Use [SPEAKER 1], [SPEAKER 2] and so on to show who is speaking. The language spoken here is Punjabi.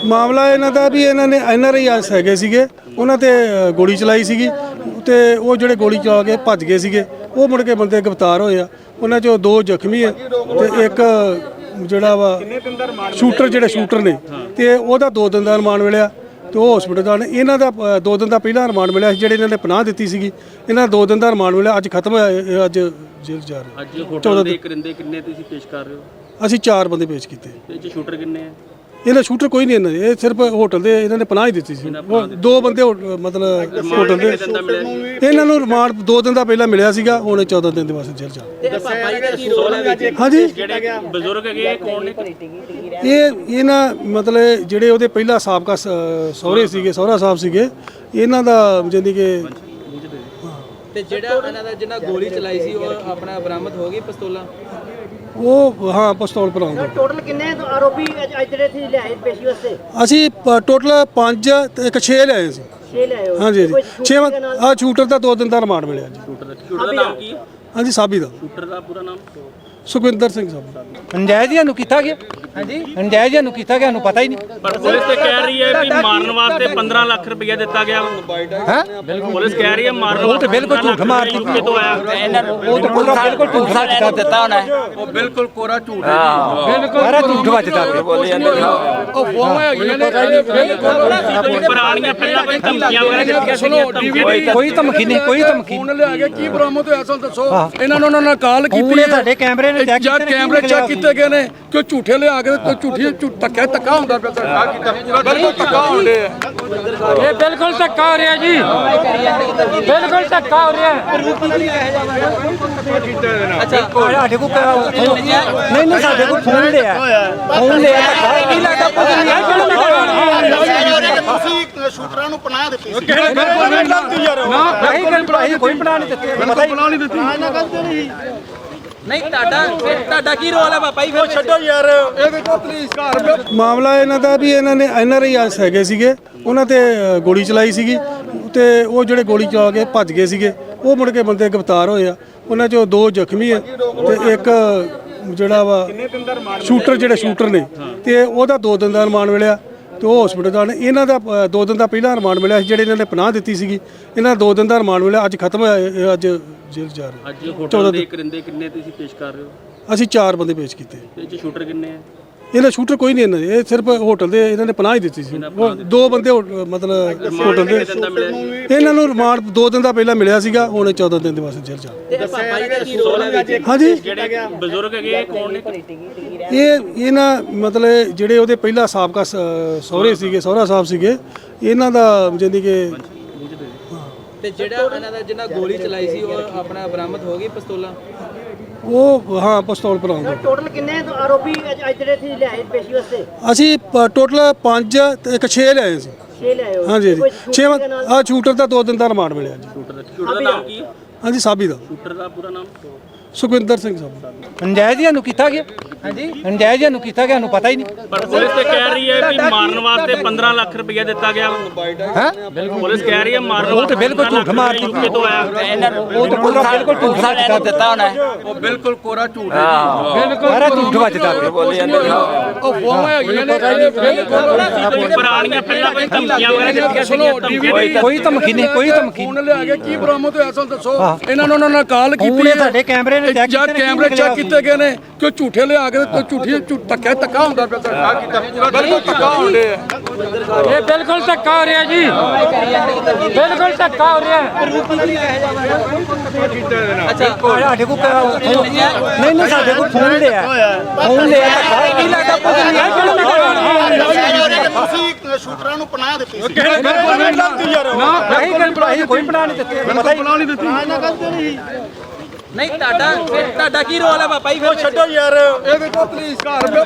[SPEAKER 1] ਮਾਮਲਾ ਇਹਨਾਂ ਦਾ ਵੀ ਇਹਨਾਂ ਨੇ NRI ਹੈਗੇ ਸੀਗੇ, ਉਹਨਾਂ ਤੇ ਗੋਲੀ ਚਲਾਈ ਸੀਗੀ ਤੇ ਉਹ ਜਿਹੜੇ ਗੋਲੀ ਚਲਾ ਕੇ ਭੱਜ ਗਏ ਸੀਗੇ, ਉਹ ਮੁੜ ਕੇ ਬੰਦੇ ਗ੍ਰਿਫਤਾਰ ਹੋਏ ਆ। ਉਹਨਾਂ ਚੋਂ 2 ਜ਼ਖਮੀ ਹੈ ਤੇ ਇੱਕ ਜਿਹੜਾ ਵਾ ਸ਼ੂਟਰ ਨੇ ਤੇ ਉਹਦਾ 2 ਦਿਨ ਦਾ ਰਿਮਾਂਡ ਮਿਲਿਆ ਤੇ ਉਹ ਹਸਪੀਟਲ ਦਾ ਨੇ। ਇਹਨਾਂ ਦਾ 2 ਦਿਨ ਦਾ ਪਹਿਲਾਂ ਰਿਮਾਂਡ ਮਿਲਿਆ ਸੀ, ਜਿਹੜੇ ਇਹਨਾਂ ਨੇ ਪਨਾਹ ਦਿੱਤੀ ਸੀਗੀ। ਇਹਨਾਂ ਦਾ 2 ਦਿਨ ਦਾ ਰਿਮਾਂਡ ਮਿਲਿਆ, ਅੱਜ ਖਤਮ ਹੋਇਆ, ਅੱਜ ਜੇਲ੍ਹ ਜਾ ਰਹੇ।
[SPEAKER 2] ਅੱਜ ਹੋਟਲ ਦੇ ਕਰਿੰਦੇ ਕਿੰਨੇ ਤੁਸੀਂ ਪੇਸ਼ ਕਰ ਰਹੇ ਹੋ?
[SPEAKER 1] ਅਸੀਂ 4 ਬੰਦੇ ਪੇਸ਼ ਕੀਤੇ।
[SPEAKER 2] ਤੇ ਸ਼ੂਟਰ ਕਿੰਨੇ ਆ?
[SPEAKER 1] ਇਹਨਾਂ ਸ਼ੂਟਰ ਕੋਈ ਨਹੀਂ, ਇਹਨਾਂ ਦੇ ਇਹ ਸਿਰਫ ਹੋਟਲ ਦੇ ਇਹਨਾਂ ਨੇ ਪਨਾਹ ਹੀ ਦਿੱਤੀ ਸੀ। 2 ਬੰਦੇ ਮਤਲਬ ਹੋਟਲ ਦੇ ਇਹਨਾਂ ਨੂੰ ਰਿਮਾਂਡ 2 ਦਿਨ ਦਾ ਪਹਿਲਾਂ ਮਿਲਿਆ ਸੀਗਾ, ਹੁਣ 14 ਦਿਨ ਦੇ ਵਾਸਤੇ ਜੇਲ੍ਹ ਜਾ। ਹਾਂਜੀ
[SPEAKER 2] ਬਜ਼ੁਰਗ ਹੈਗੇ ਕੌਣ ਨੇ?
[SPEAKER 1] ਇਹ ਨਾ ਮਤਲਬ ਜਿਹੜੇ ਉਹਦੇ ਪਹਿਲਾਂ ਸਾਬਕਾ ਸਹੁਰਾ ਸਾਹਿਬ ਸੀਗੇ, ਇਹਨਾਂ ਦਾ ਜਾਨੀ ਕਿ
[SPEAKER 3] ਤੇ ਜਿਹੜਾ ਇਹਨਾਂ ਦਾ ਜਿਹਨਾਂ ਗੋਲੀ ਚਲਾਈ ਸੀ ਉਹ ਆਪਣਾ ਬਰਾਮਦ ਹੋ ਗਈ ਪਿਸਤੌਲਾਂ?
[SPEAKER 1] ਉਹ ਹਾਂ ਪਿਸਤੌਲ ਭਰਾਉਂਦੇ।
[SPEAKER 4] ਟੋਟਲ ਕਿੰਨੇ ਆਰੋਪੀ ਅੱਜ ਜਿਹੜੇ ਸੀ ਲਿਆਏ ਪੇਸ਼ੀ ਵਾਸਤੇ?
[SPEAKER 1] ਅਸੀਂ ਟੋਟਲ 5 ਤੇ ਇੱਕ 6 ਲਿਆਏ ਸੀ।
[SPEAKER 4] 6 ਲਿਆਏ ਹੋ?
[SPEAKER 1] ਹਾਂਜੀ 6 ਸ਼ੂਟਰ ਦਾ 2 ਦਿਨ ਦਾ ਰਿਮਾਂਡ ਮਿਲਿਆ ਜੀ।
[SPEAKER 2] ਸ਼ੂਟਰ ਦਾ ਨਾਮ ਕੀ ਹੈ?
[SPEAKER 1] ਹਾਂਜੀ ਸਾਬੀ ਦਾ।
[SPEAKER 2] ਸ਼ੂਟਰ ਦਾ ਪੂਰਾ ਨਾਮ?
[SPEAKER 1] ਸੁਖਵਿੰਦਰ ਸਿੰਘ ਸਾਹਿਬ।
[SPEAKER 5] ਨਜਾਇਜ਼ ਨੂੰ ਕੀਤਾ ਗਿਆ। ਹਾਂਜੀ ਨਜਾਇਜ਼ ਨੂੰ ਕੀਤਾ ਗਿਆ, ਨੂੰ ਪਤਾ ਹੀ ਨਹੀਂ।
[SPEAKER 2] ਪਰ ਪੁਲਿਸ ਤੇ ਕਹਿ ਰਹੀ ਹੈ ਕਿ ਮਾਰਨ ਵਾਸਤੇ 15 ਲੱਖ ਰੁਪਏ ਦਿੱਤਾ ਗਿਆ ਹੈ। ਪੁਲਿਸ ਕਹਿ ਰਹੀ ਹੈ ਮਾਰਨ
[SPEAKER 5] ਉਹ ਤੇ ਬਿਲਕੁਲ ਝੂਠ ਮਾਰਦੀ।
[SPEAKER 2] ਯੂਕੇ ਤੋਂ ਆਇਆ ਇਹਨਾਂ ਨੂੰ
[SPEAKER 5] ਉਹ ਤਾਂ ਪੂਰਾ ਬਿਲਕੁਲ ਝੂਠ ਸੱਚ ਕਰ ਦਿੱਤਾ ਉਹਨੇ।
[SPEAKER 6] ਉਹ ਬਿਲਕੁਲ ਕੋਰਾ ਝੂਠ ਹੈ।
[SPEAKER 5] ਬਿਲਕੁਲ ਸਾਰਾ ਝੂਠ ਵੱਜਦਾ ਪਿਆ।
[SPEAKER 6] ਉਹ ਫੋਮ ਹੈਗੀਆਂ ਨੇ
[SPEAKER 2] ਪੁਰਾਣੀਆਂ ਪਹਿਲਾਂ ਕੋਈ ਧਮਕੀਆਂ ਵਗੈਰਾ ਦਿੱਤੀਆਂ ਸੀਗੀਆਂ?
[SPEAKER 5] ਕੋਈ ਧਮਕੀ ਨਹੀਂ, ਕੋਈ ਧਮਕੀ
[SPEAKER 6] ਫੋਨ ਲਿਆ ਕੇ ਕੀ ਬਰਾਮਦ ਹੋਇਆ ਸਾਨੂੰ ਦੱਸੋ। ਇਹਨਾਂ ਨੂੰ ਉਹਨਾਂ ਨਾਲ ਕਾਲ ਕੀਤੀ ਹੈ।
[SPEAKER 5] ਸਾਡੇ ਕੈਮਰੇ ਨੇ ਚੈੱਕ
[SPEAKER 6] ਜਾਂ ਕੈਮਰੇ ਚੈੱਕ ਕੀਤੇ ਗਏ ਨੇ ਕਿ ਝੂਠੇ ਲਿਆ ਕੇ ਕੋਈ ਝੂਠੀ ਧੱਕਾ ਹੁੰਦਾ ਪਿਆ। ਸਰਕਾਰ ਕੀਤਾ ਬਿਲਕੁਲ ਧੱਕਾ ਹੋ ਰਿਹਾ।
[SPEAKER 5] ਇਹ ਬਿਲਕੁਲ ਧੱਕਾ ਹੋ ਰਿਹਾ ਜੀ, ਬਿਲਕੁਲ ਧੱਕਾ ਹੋ ਰਿਹਾ। ਅੱਛਾ ਸਾਡੇ ਕੋਲ ਨਹੀਂ ਸਾਡੇ ਕੋਲ ਫੋਨ ਲਿਆ ਕੀ ਲੱਗਦਾ
[SPEAKER 4] ਤੁਸੀਂ ਸ਼ੂਟਰਾਂ ਨੂੰ ਪਨਾਹ ਦਿੱਤੀ ਸੀ?
[SPEAKER 5] ਕੋਈ ਪਨਾਹ ਨਹੀਂ ਦਿੱਤੀ, ਪਤਾ ਹੀ ਨਹੀਂ।
[SPEAKER 3] ਨਹੀਂ ਤੁਹਾਡਾ ਕੀ ਰੋਲ ਹੈ ਪਾਪਾ ਜੀ? ਫਿਰ
[SPEAKER 6] ਛੱਡੋ ਯਾਰ, ਇਹ ਦੇਖੋ ਪੁਲਿਸ ਘਰ
[SPEAKER 1] ਮਾਮਲਾ ਇਹਨਾਂ ਦਾ ਵੀ ਇਹਨਾਂ ਨੇ NRI ਹੈਗੇ ਸੀਗੇ, ਉਹਨਾਂ ਤੇ ਗੋਲੀ ਚਲਾਈ ਸੀਗੀ ਤੇ ਉਹ ਜਿਹੜੇ ਗੋਲੀ ਚਲਾ ਕੇ ਭੱਜ ਗਏ ਸੀਗੇ, ਉਹ ਮੁੜ ਕੇ ਬੰਦੇ ਗ੍ਰਿਫਤਾਰ ਹੋਏ ਆ। ਉਹਨਾਂ ਚੋਂ 2 ਜ਼ਖਮੀ ਹੈ ਤੇ ਇੱਕ ਜਿਹੜਾ ਵਾ ਸ਼ੂਟਰ ਨੇ ਤੇ ਉਹਦਾ 2 ਦਿਨ ਦਾ ਰਿਮਾਂਡ ਮਿਲਿਆ ਤੇ ਉਹ ਹਸਪੀਟਲ ਦਾ ਨੇ। ਇਹਨਾਂ ਦਾ 2 ਦਿਨ ਦਾ ਪਹਿਲਾਂ ਰਿਮਾਂਡ ਮਿਲਿਆ ਸੀ, ਜਿਹੜੇ ਇਹਨਾਂ ਨੇ ਪਨਾਹ ਦਿੱਤੀ ਸੀਗੀ। ਇਹਨਾਂ ਦਾ 2 ਦਿਨ ਦਾ ਰਿਮਾਂਡ ਮਿਲਿਆ, ਅੱਜ ਖਤਮ ਹੋਇਆ, ਅੱਜ ਜੇਲ੍ਹ ਜਾ ਰਹੇ।
[SPEAKER 2] ਅੱਜ ਹੋਟਲ ਦੇ ਕਰਿੰਦੇ ਕਿੰਨੇ ਤੁਸੀਂ ਪੇਸ਼ ਕਰ ਰਹੇ ਹੋ?
[SPEAKER 1] ਅਸੀਂ 4 ਬੰਦੇ ਪੇਸ਼ ਕੀਤੇ।
[SPEAKER 2] ਤੇ ਸ਼ੂਟਰ ਕਿੰਨੇ ਆ?
[SPEAKER 1] ਇਹਨਾਂ ਸ਼ੂਟਰ ਕੋਈ ਨਹੀਂ, ਇਹਨਾਂ ਦੇ ਇਹ ਸਿਰਫ ਹੋਟਲ ਦੇ ਇਹਨਾਂ ਨੇ ਪਨਾਹ ਹੀ ਦਿੱਤੀ ਸੀ। 2 ਬੰਦੇ ਮਤਲਬ ਹੋਟਲ ਦੇ ਇਹਨਾਂ ਨੂੰ ਰਿਮਾਂਡ 2 ਦਿਨ ਦਾ ਪਹਿਲਾਂ ਮਿਲਿਆ ਸੀਗਾ, ਹੁਣ 14 ਦਿਨ ਦੇ ਵਾਸਤੇ ਜੇਲ੍ਹ ਜਾ।
[SPEAKER 3] ਤੇ ਪਾਪਾ ਜੀ ਦਾ ਕੀ ਰੋਲ ਹੈ?
[SPEAKER 1] ਹਾਂਜੀ
[SPEAKER 2] ਜਿਹੜੇ ਬਜ਼ੁਰਗ ਹੈਗੇ ਕੌਣ ਨੇ?
[SPEAKER 1] ਇਹ ਨਾ ਮਤਲਬ ਜਿਹੜੇ ਉਹਦੇ ਪਹਿਲਾਂ ਸਾਬਕਾ ਸਹੁਰਾ ਸਾਹਿਬ ਸੀਗੇ, ਇਹਨਾਂ ਦਾ ਜਾਨੀ ਕਿ
[SPEAKER 3] ਤੇ ਜਿਹੜਾ ਇਹਨਾਂ ਦਾ ਜਿਹਨਾਂ ਗੋਲੀ ਚਲਾਈ ਸੀ ਉਹ ਆਪਣਾ ਬਰਾਮਦ ਹੋ ਗਈ ਪਿਸਤੌਲਾਂ?
[SPEAKER 1] ਉਹ ਹਾਂ ਪਿਸਤੌਲ ਭਰਾਉਂਦੇ।
[SPEAKER 4] ਟੋਟਲ ਕਿੰਨੇ ਆਰੋਪੀ ਅੱਜ ਜਿਹੜੇ ਸੀ ਲਿਆਏ ਪੇਸ਼ੀ ਵਾਸਤੇ?
[SPEAKER 1] ਅਸੀਂ ਟੋਟਲ 5 ਤੇ ਇੱਕ 6 ਲਿਆਏ ਸੀ।
[SPEAKER 4] 6 ਲਿਆਏ ਹੋ?
[SPEAKER 1] ਹਾਂਜੀ 6 ਸ਼ੂਟਰ ਦਾ 2 ਦਿਨ ਦਾ ਰਿਮਾਂਡ ਮਿਲਿਆ ਜੀ।
[SPEAKER 2] ਸ਼ੂਟਰ ਦਾ ਨਾਮ ਕੀ ਹੈ?
[SPEAKER 1] ਹਾਂਜੀ ਸਾਬੀ ਦਾ।
[SPEAKER 2] ਸ਼ੂਟਰ ਦਾ ਪੂਰਾ ਨਾਮ?
[SPEAKER 1] ਸੁਖਵਿੰਦਰ ਸਿੰਘ ਸਾਹਿਬ।
[SPEAKER 5] ਨਜਾਇਜ਼ ਨੂੰ ਕੀਤਾ ਗਿਆ। ਹਾਂਜੀ ਨਜਾਇਜ਼ ਨੂੰ ਕੀਤਾ ਗਿਆ, ਨੂੰ ਪਤਾ ਹੀ ਨਹੀਂ।
[SPEAKER 2] ਪਰ ਪੁਲਿਸ ਤੇ ਕਹਿ ਰਹੀ ਹੈ ਕਿ ਮਾਰਨ ਵਾਸਤੇ 15 ਲੱਖ ਰੁਪਏ ਦਿੱਤਾ ਗਿਆ ਹੈ। ਪੁਲਿਸ ਕਹਿ ਰਹੀ ਹੈ ਮਾਰਨ
[SPEAKER 5] ਉਹ ਤੇ ਬਿਲਕੁਲ ਝੂਠ ਮਾਰਦੀ।
[SPEAKER 2] ਯੂਕੇ ਤੋਂ ਆਇਆ ਇਹਨਾਂ ਨੂੰ
[SPEAKER 5] ਉਹ ਤਾਂ ਪੂਰਾ ਬਿਲਕੁਲ ਝੂਠ ਸੱਚ ਕਰ ਦਿੱਤਾ ਉਹਨੇ।
[SPEAKER 6] ਉਹ ਬਿਲਕੁਲ ਕੋਰਾ ਝੂਠ ਹੈ।
[SPEAKER 5] ਬਿਲਕੁਲ ਸਾਰਾ ਝੂਠ ਵੱਜਦਾ ਪਿਆ।
[SPEAKER 6] ਉਹ ਫੋਮ ਹੈਗੀਆਂ ਨੇ
[SPEAKER 2] ਪੁਰਾਣੀਆਂ ਪਹਿਲਾਂ ਕੋਈ ਧਮਕੀਆਂ ਵਗੈਰਾ ਦਿੱਤੀਆਂ ਸੀਗੀਆਂ?
[SPEAKER 5] ਕੋਈ ਧਮਕੀ ਨਹੀਂ, ਕੋਈ ਧਮਕੀ।
[SPEAKER 6] ਫੋਨ ਲਿਆ ਕੇ ਕੀ ਬਰਾਮਦ ਹੋਇਆ ਸਾਨੂੰ ਦੱਸੋ। ਇਹਨਾਂ ਨੂੰ ਉਹਨਾਂ ਨਾਲ ਕਾਲ ਕੀਤੀ ਹੈ।
[SPEAKER 5] ਸਾਡੇ ਕੈਮਰੇ ਨੇ ਚੈੱਕ
[SPEAKER 6] ਜਾਂ ਕੈਮਰੇ ਚੈੱਕ ਕੀਤੇ ਗਏ ਨੇ ਕਿ ਝੂਠੇ ਲਿਆ ਕੇ ਕੋਈ ਝੂਠੀ ਧੱਕਾ ਹੁੰਦਾ ਪਿਆ। ਸਰਕਾਰ ਕੀਤਾ ਬਿਲਕੁਲ ਧੱਕਾ ਹੋ ਰਿਹਾ।
[SPEAKER 5] ਇਹ ਬਿਲਕੁਲ ਧੱਕਾ ਹੋ ਰਿਹਾ ਜੀ, ਬਿਲਕੁਲ ਧੱਕਾ ਹੋ ਰਿਹਾ। ਅੱਛਾ ਸਾਡੇ ਕੋਲ ਨਹੀਂ ਸਾਡੇ ਕੋਲ ਫੋਨ ਲਿਆ ਕੀ ਲੱਗਦਾ
[SPEAKER 4] ਤੁਸੀਂ ਸ਼ੂਟਰਾਂ ਨੂੰ ਪਨਾਹ ਦਿੱਤੀ ਸੀ?
[SPEAKER 5] ਕੋਈ ਪਨਾਹ ਨਹੀਂ ਦਿੱਤੀ, ਪਤਾ ਹੀ ਨਹੀਂ।
[SPEAKER 3] ਨਹੀਂ ਤੁਹਾਡਾ ਕੀ ਰੋਲ ਹੈ ਪਾਪਾ ਜੀ? ਫਿਰ
[SPEAKER 6] ਛੱਡੋ ਯਾਰ, ਇਹ ਦੇਖੋ ਪੁਲਿਸ ਘਰ